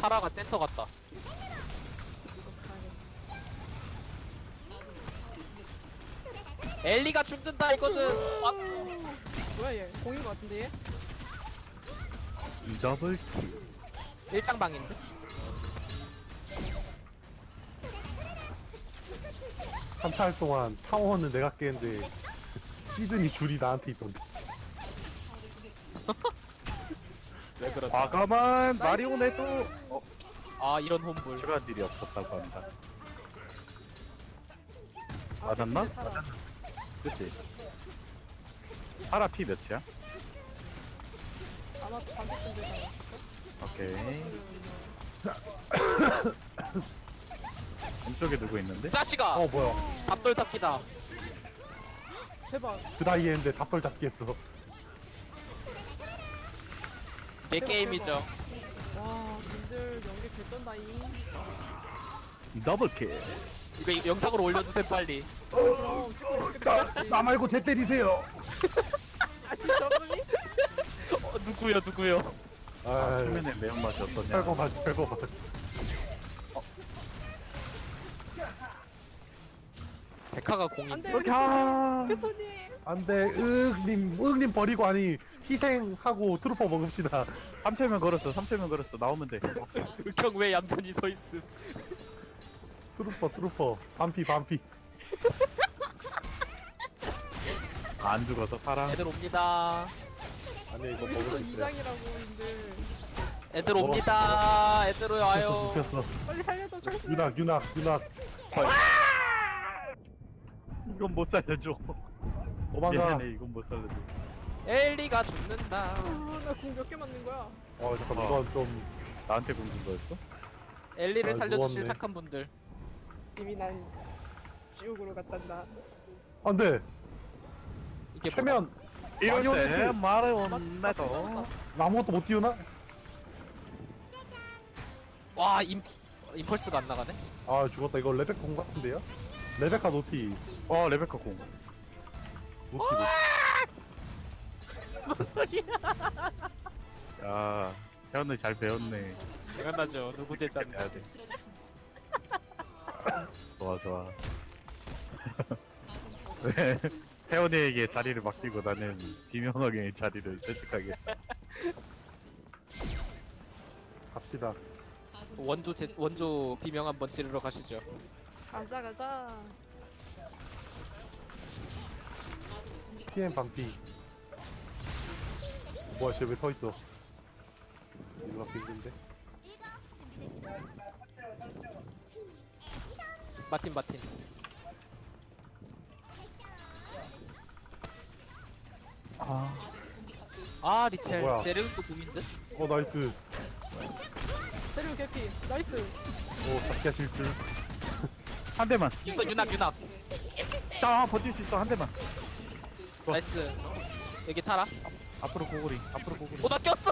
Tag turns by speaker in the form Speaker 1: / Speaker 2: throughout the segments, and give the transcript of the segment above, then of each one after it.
Speaker 1: 타라가 센터 같다. 엘리가 죽는다 이거는. 왔어.
Speaker 2: 뭐야 얘? 공인 것 같은데 얘?
Speaker 3: 더블 킬.
Speaker 1: 일장방인데.
Speaker 4: 한달 동안 타워는 내가 깼는데 시드니 줄이 나한테 있던데.
Speaker 1: 왜 그러다.
Speaker 3: 과감한 마리오네도
Speaker 1: 아 이런 홈볼.
Speaker 3: 출한 일이 없었다고 합니다. 맞았나?
Speaker 2: 타라.
Speaker 3: 그치? 파라 피 몇이야?
Speaker 2: 아마 반대편 되잖아.
Speaker 3: 오케이. 왼쪽에 누구 있는데?
Speaker 1: 자식아.
Speaker 4: 뭐야.
Speaker 1: 밥솔 잡기다.
Speaker 2: 대박.
Speaker 4: 그 나이에 했는데 답설 잡기 했어.
Speaker 1: 내
Speaker 2: 대박,
Speaker 1: 게임이죠.
Speaker 2: 와, 님들 연기 개쩐다잉.
Speaker 3: 더블 킬.
Speaker 1: 이거 영상으로 올려주세요 빨리.
Speaker 2: 그럼 찍고 있겠지.
Speaker 4: 나 말고 쟤 때리세요.
Speaker 2: 아니 저분이?
Speaker 1: 누구요?
Speaker 4: 아,
Speaker 3: 초면의 매운맛이 어떠냐?
Speaker 4: 별거 봐, 별거 봐.
Speaker 1: 백화가 공인데.
Speaker 2: 안돼
Speaker 3: 이렇게 하.
Speaker 2: 교수님.
Speaker 4: 안 돼, 님 버리고 아니, 희생하고 트루퍼 먹읍시다.
Speaker 3: 3초면 걸었어. 3초면 걸었어. 나오면 돼.
Speaker 1: 흑형 왜 얌전히 서 있음.
Speaker 4: 트루퍼. 반피.
Speaker 3: 안 죽어서 파라.
Speaker 1: 애들 옵니다.
Speaker 4: 아니, 이거
Speaker 2: 여기서
Speaker 4: 먹을 수 있어요.
Speaker 2: 2장이라고 님들.
Speaker 1: 애들 옵니다. 애들 와요.
Speaker 4: 눕혔어.
Speaker 2: 빨리 살려줘 철수.
Speaker 4: 윤학.
Speaker 3: 이건 못 살려줘.
Speaker 4: 도망가.
Speaker 3: 미안해. 이건 못 살려줘.
Speaker 1: 엘리가 죽는다.
Speaker 2: 나궁 몇 개 맞는 거야?
Speaker 4: 잠깐,
Speaker 3: 어.
Speaker 4: 이건 좀,
Speaker 3: 나한테 공준 거였어?
Speaker 1: 엘리를
Speaker 4: 아,
Speaker 1: 살려주실
Speaker 4: 누웠네.
Speaker 1: 착한 분들.
Speaker 2: 이미 난 지옥으로 갔단다.
Speaker 4: 안 돼.
Speaker 1: 이게 뭐야?
Speaker 4: 최면,
Speaker 3: 이럴 때
Speaker 4: 마리오네트.
Speaker 3: 마리오네도
Speaker 4: 아무것도 못 띄우나?
Speaker 1: 와 임펄스가 안 나가네.
Speaker 4: 아, 죽었다. 이거 레베카 공 같은데요? 레베카 노티.
Speaker 3: 레베카 공.
Speaker 4: 노티.
Speaker 2: 뭔 소리야?
Speaker 3: 야, 태연이 잘 배웠네.
Speaker 1: 당연하죠. 누구 제자인데.
Speaker 3: 해야 돼. 좋아. 네, 태연이에게 자리를 맡기고 나는 비명하게 자리를 채택하게.
Speaker 4: 갑시다.
Speaker 1: 원조 비명 한번 지르러 가시죠.
Speaker 2: 가자.
Speaker 4: PM 반피. 뭐야, 쟤 왜 서 있어? 이거 힘든데?
Speaker 1: 마틴. 아 리첼.
Speaker 4: 뭐야.
Speaker 1: 제르도 공인데?
Speaker 4: 나이스.
Speaker 2: 세류 개피. 나이스.
Speaker 4: 잡기가 질줄.
Speaker 3: 한 대만.
Speaker 1: 이거 윤학.
Speaker 3: 버틸 수 있어. 한 대만.
Speaker 1: 나이스. 여기 타라.
Speaker 3: 앞으로 고고리.
Speaker 1: 나 꼈어.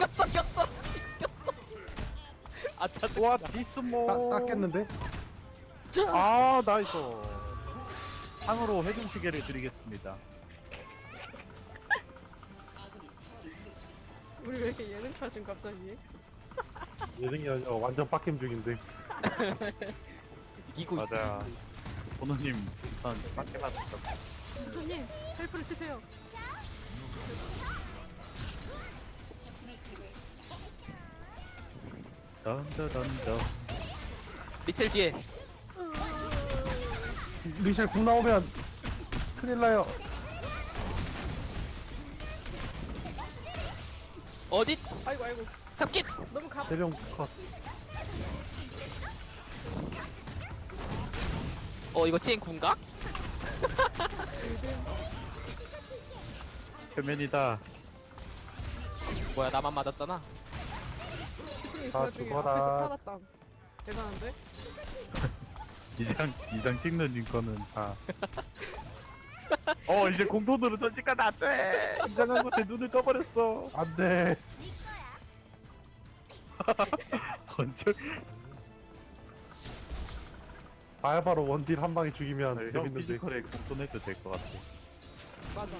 Speaker 1: 아 짜증.
Speaker 3: 와, 지스모.
Speaker 4: 땄겠는데?
Speaker 3: 아, 나이스. 상으로 회중 시계를 드리겠습니다.
Speaker 2: 우리 왜 이렇게 예능 타신 갑자기?
Speaker 4: 예능이 아니라 완전 빡겜 중인데.
Speaker 1: 이기고 있어.
Speaker 3: 맞아. 번호님, 일단 빡게 맞았다.
Speaker 2: 교수님 헬프를 치세요.
Speaker 3: 던져던져.
Speaker 1: 리첼 뒤에.
Speaker 4: 리셀 궁 나오면 큰일 나요.
Speaker 1: 어디?
Speaker 2: 아이고
Speaker 1: 잡기.
Speaker 2: 너무 가.
Speaker 4: 대령 컷.
Speaker 1: 이거 TN 군가?
Speaker 3: 표면이다.
Speaker 1: 뭐야 나만 맞았잖아.
Speaker 2: 교수님 그
Speaker 4: 다
Speaker 2: 와중에
Speaker 4: 죽어라.
Speaker 2: 앞에서 살았다. 대단한데?
Speaker 3: 이상 찍는 인권은 다. 이제 공돈으로 전직가 안 돼! 이상한 곳에 눈을 떠버렸어.
Speaker 4: 안 돼.
Speaker 3: 건축.
Speaker 4: 바야바로 원딜 한 방에 죽이면
Speaker 3: 형
Speaker 4: 재밌는데.
Speaker 3: 피지컬에 공돈해도 될 것 같아.
Speaker 2: 맞아.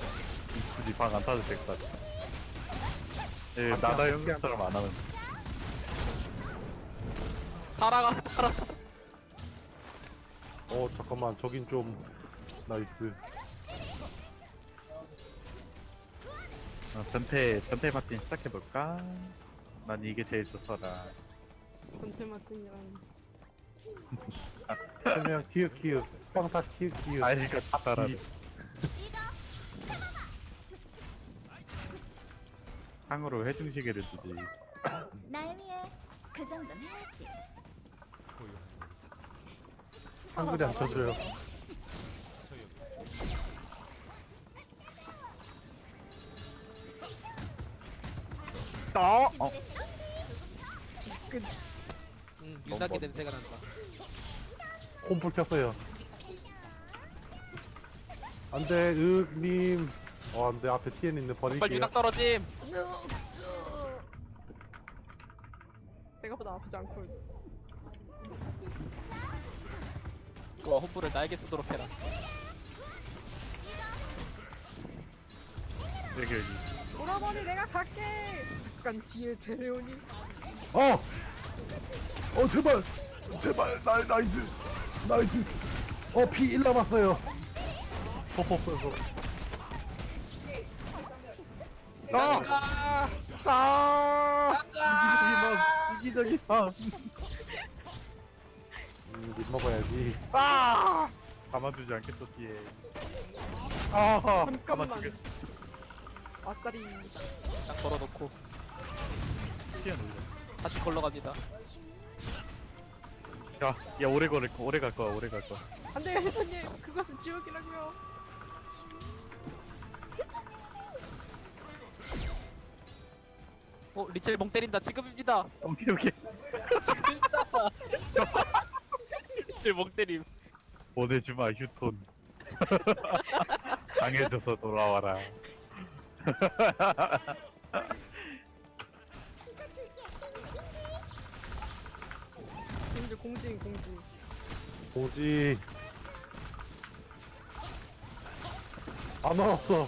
Speaker 3: 굳이 방 안 타도 될 것 같아. 예,
Speaker 4: 밖에
Speaker 3: 나다
Speaker 4: 안
Speaker 3: 형님처럼 안 하면.
Speaker 1: 달아.
Speaker 4: 잠깐만 저긴 좀 나이스.
Speaker 3: 전태 마틴 시작해볼까? 난 이게 제일 좋더라.
Speaker 2: 전체 마틴이랑
Speaker 4: 그냥 키읔 빵타 키읔.
Speaker 3: 아이가 따라. 상으로 회중시계를 주지.
Speaker 5: 나영이의 그 정도는 해야지.
Speaker 4: 한글이 안 쳐줘요.
Speaker 2: 지금
Speaker 1: 유나기 냄새가 난다.
Speaker 4: 홈플 켰어요. 안돼 윽님. 안돼 앞에 TN 있는
Speaker 1: 빨리
Speaker 4: 버릴게요.
Speaker 1: 유낙 떨어짐.
Speaker 2: 생각보다 아프지 않군.
Speaker 1: 좋아, 홈불을 나에게 쓰도록 해라.
Speaker 3: 여기.
Speaker 2: 오라버니 내가 갈게. 잠깐 뒤에 제레온이.
Speaker 4: 제발 나이스. 피 1 남았어요. 퍼퍼퍼서.
Speaker 1: 자식아.
Speaker 3: 이기적이다.
Speaker 4: 못 먹어야지.
Speaker 3: 가만두지 않겠어 뒤에.
Speaker 2: 잠깐만.
Speaker 3: 가만두게.
Speaker 2: 아싸리.
Speaker 1: 딱 걸어놓고
Speaker 3: 뛰어놀려.
Speaker 1: 다시 걸러갑니다.
Speaker 3: 야 오래 갈 거야.
Speaker 2: 안돼요 혜선님. 그것은 지옥이라고요.
Speaker 1: 리첼 멍 때린다. 지금입니다.
Speaker 3: 오케이.
Speaker 1: 지금입니다. 리첼 멍 때림.
Speaker 3: 보내주마 휴톤. 강해져서 돌아와라.
Speaker 2: 근데 공지.
Speaker 4: 오지. 안 왔어.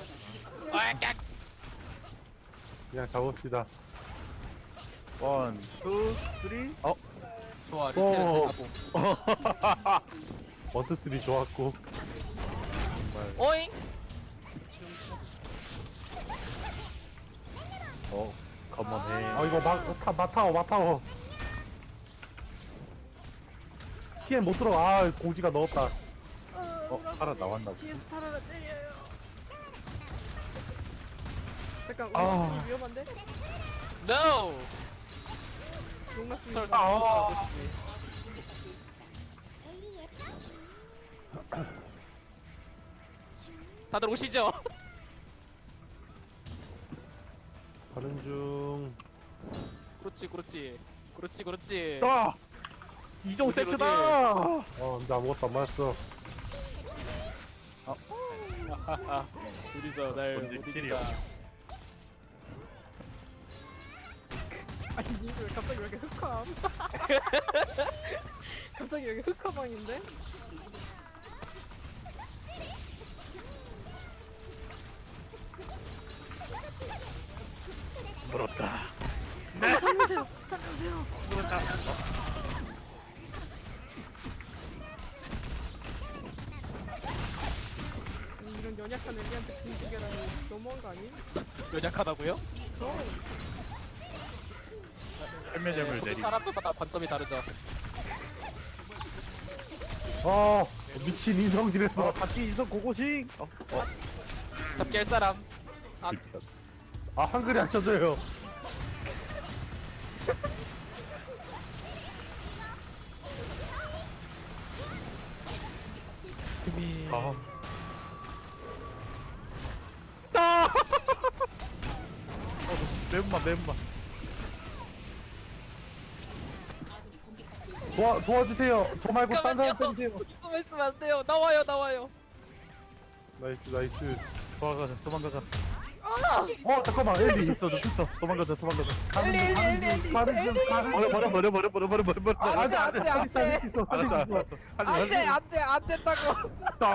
Speaker 4: 그냥 잡읍시다.
Speaker 3: 원, 투, 쓰리.
Speaker 1: 좋아, 리첼은
Speaker 4: 오.
Speaker 1: 하고.
Speaker 4: 원투쓰리 좋았고.
Speaker 1: 오잉.
Speaker 3: 컴온해.
Speaker 4: 이거 마타워. TN 못 들어가. 공지가 넣었다.
Speaker 3: 살아 나왔나 보다.
Speaker 2: 뒤에서 타라라 때려요. 잠깐
Speaker 4: 아.
Speaker 2: 우리 위험한데?
Speaker 1: No.
Speaker 2: 용났습니다.
Speaker 1: 하고 싶지. 다들 오시죠.
Speaker 4: 가는 중.
Speaker 1: 그렇지.
Speaker 3: 이동
Speaker 1: 그치,
Speaker 3: 세트다.
Speaker 4: 근데 아무것도 안 맞았어.
Speaker 1: 둘이서 날
Speaker 3: 뭔지
Speaker 1: 못
Speaker 3: 킬이야.
Speaker 1: 이긴다.
Speaker 2: 아니 왜 갑자기 왜 이렇게 흑함? 갑자기 왜 이렇게 흑화방인데?
Speaker 3: 물었다.
Speaker 2: 살려주세요.
Speaker 3: 물었다.
Speaker 2: 아니, 이런 연약한 애기한테 공주계라니 너무한 거 아니?
Speaker 1: 연약하다고요?
Speaker 2: 저
Speaker 3: 헬멧을 내리.
Speaker 1: 사람마다 관점이 다르죠.
Speaker 4: 미친 인성질에서.
Speaker 3: 바퀴 이성 고고싱.
Speaker 1: 잡기 할 사람.
Speaker 4: 한글이 안 쳐져요.
Speaker 3: 매운맛.
Speaker 4: 도와주세요. 저 말고 딴 사람
Speaker 1: 잠깐만요.
Speaker 4: 때리세요.
Speaker 1: 있으면 안 돼요. 나와요.
Speaker 4: 나이스.
Speaker 3: 도망가자.
Speaker 4: 잠깐만. 엘리.
Speaker 3: 있어. 도망가자.
Speaker 1: 엘리.
Speaker 3: 버려.
Speaker 1: 안 돼.
Speaker 3: 알았어.
Speaker 1: 안 된다고.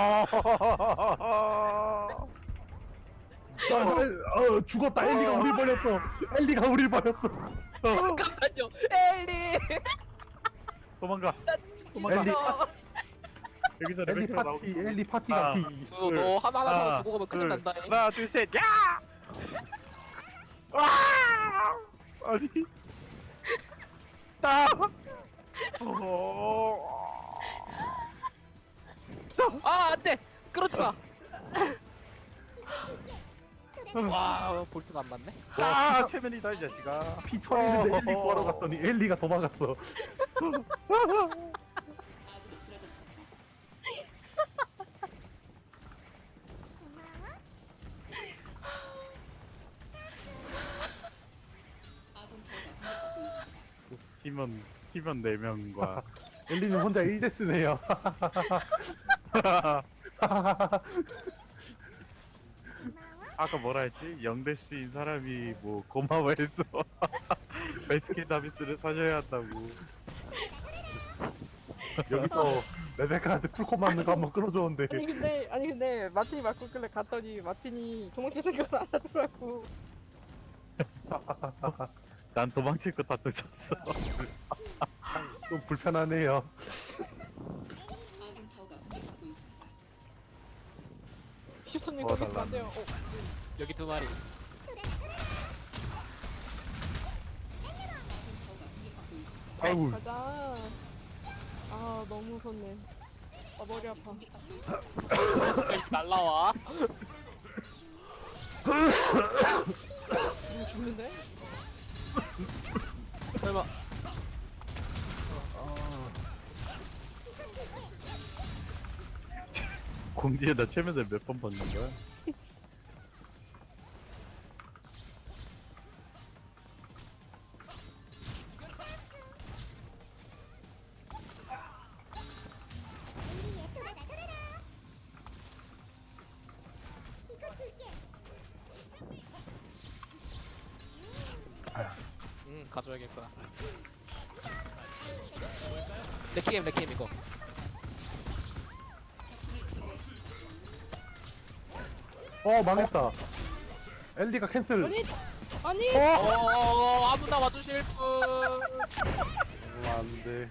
Speaker 4: 죽었다. 엘리가 우릴 버렸어.
Speaker 1: 잠깐만요. 엘리.
Speaker 3: 도망가.
Speaker 4: 엘리
Speaker 3: 여기서
Speaker 4: 엘리
Speaker 3: 레벨
Speaker 4: 파티
Speaker 3: 나오고.
Speaker 4: 엘리 파티
Speaker 3: 아.
Speaker 4: 같이.
Speaker 1: 너 하나 두고 가면 큰일 난다.
Speaker 3: 하나 둘 셋. 야! 와! 아니. 따.
Speaker 1: 아 안돼. 그렇지 마. 와 볼트가 안 맞네.
Speaker 3: 아, 최면이다 이 자식아.
Speaker 4: 피 쳐있는데 엘리 구하러 갔더니 엘리가 도망갔어.
Speaker 3: 팀원 4명과
Speaker 4: 엘리는 혼자 1데스네요.
Speaker 3: 아까 뭐라 했지? 영대스인 사람이 뭐 고마워해서 베스킨 다비스를 사셔야 한다고.
Speaker 4: 여기서 레베카한테 풀콤 맞는 거 한번 끌어줬는데
Speaker 2: 아니 근데 마틴이 맞고 끌래 갔더니 마틴이 도망칠 생각을 안 하더라고.
Speaker 3: 난 도망칠 거 다 쫓았어.
Speaker 4: 좀 불편하네요.
Speaker 2: 슈터님
Speaker 4: 뭐
Speaker 2: 거기 있으면 안 돼요.
Speaker 1: 여기 두 마리.
Speaker 4: 아우
Speaker 2: 가자. 아 너무 무섭네. 아 머리 아파.
Speaker 1: 날라와.
Speaker 2: 이거 죽는데?
Speaker 1: 설마.
Speaker 3: 공지에다 최면을 몇 번 받는 거야?
Speaker 1: 가져야겠구나. 레키엠 이거.
Speaker 4: 망했다. 엘리가 캔슬.
Speaker 2: 아니
Speaker 1: 아무나 와주실 분.
Speaker 4: 안돼.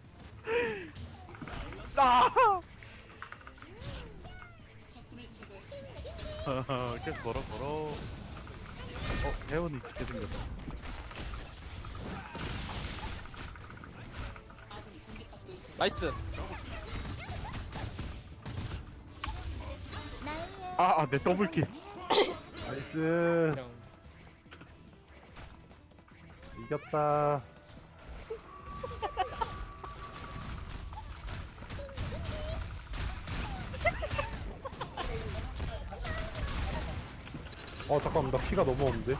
Speaker 3: 계속 걸어. 혜원이 죽게 생겼다.
Speaker 1: 나이스.
Speaker 5: 나의
Speaker 3: 내 더블킬.
Speaker 4: 나이스.
Speaker 1: 그냥
Speaker 4: 이겼다. 잠깐만 나 피가 너무 없는데.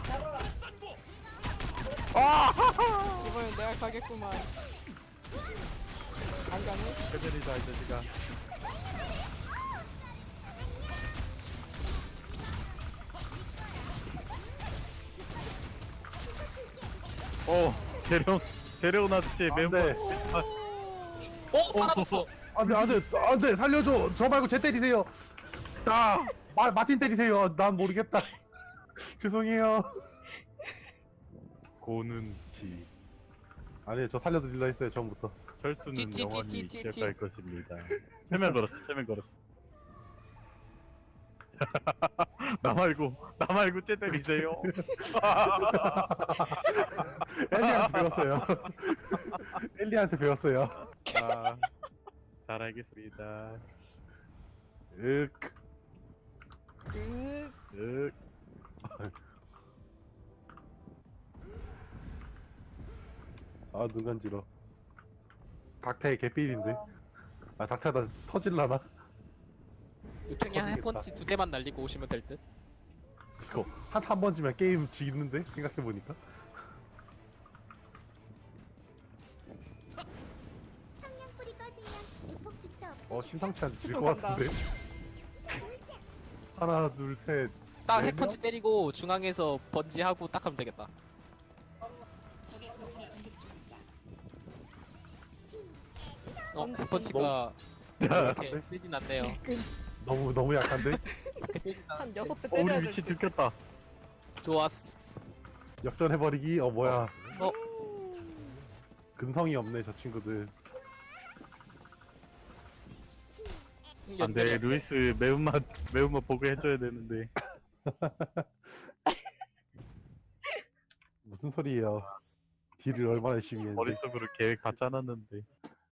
Speaker 2: 이번엔 내가 가겠구만. 안 가네?
Speaker 3: 최면이다 이 자식아. 데려온 아저씨의 멤버.
Speaker 4: 안돼.
Speaker 1: 사라졌어.
Speaker 4: 안돼 살려줘. 저 말고 쟤 때리세요. 마틴 때리세요. 난 모르겠다. 죄송해요.
Speaker 3: 고눈치.
Speaker 4: 아니 저 살려드릴라 했어요 처음부터.
Speaker 3: 철수는 영원히
Speaker 1: 띠띠띠띠띠.
Speaker 3: 기억할 것입니다. 최면 걸었어. 나 말고 쟤 때리세요.
Speaker 4: 엘리한테 배웠어요. 엘리한테 배웠어요.
Speaker 3: 잘 알겠습니다.
Speaker 4: 윽.
Speaker 2: 그
Speaker 4: 눈 간지러. 닥터의 개삘인데. 닥터다 터질라나?
Speaker 1: 그냥 한 펀치 2대만 날리고 오시면 될 듯.
Speaker 4: 이거 한 번쯤면 게임 지겠는데? 생각해보니까.
Speaker 5: 성냥불이 꺼지면 증폭죽도 없어.
Speaker 4: 심상치 않게 질
Speaker 2: 또
Speaker 4: 것
Speaker 2: 간다.
Speaker 4: 같은데? 하나, 둘, 셋.
Speaker 1: 딱
Speaker 4: 네
Speaker 1: 핵펀치 때리고 중앙에서 번지하고 딱 하면 되겠다. 핵펀치가 이렇게 세진 않네요.
Speaker 4: 너무 약한데?
Speaker 1: 그렇게 세진 않.
Speaker 2: 한 6대
Speaker 3: 우리
Speaker 2: 때려야
Speaker 3: 위치
Speaker 2: 돼.
Speaker 3: 들켰다.
Speaker 1: 좋았어.
Speaker 4: 역전해버리기? 뭐야.
Speaker 1: 어?
Speaker 4: 근성이 없네, 저 친구들.
Speaker 3: 안돼 루이스 매운맛 보게 해줘야 되는데.
Speaker 4: 무슨 소리예요? 딜을 얼마나 열심히 했는데.
Speaker 3: 머릿속으로 계획 다 짜놨는데.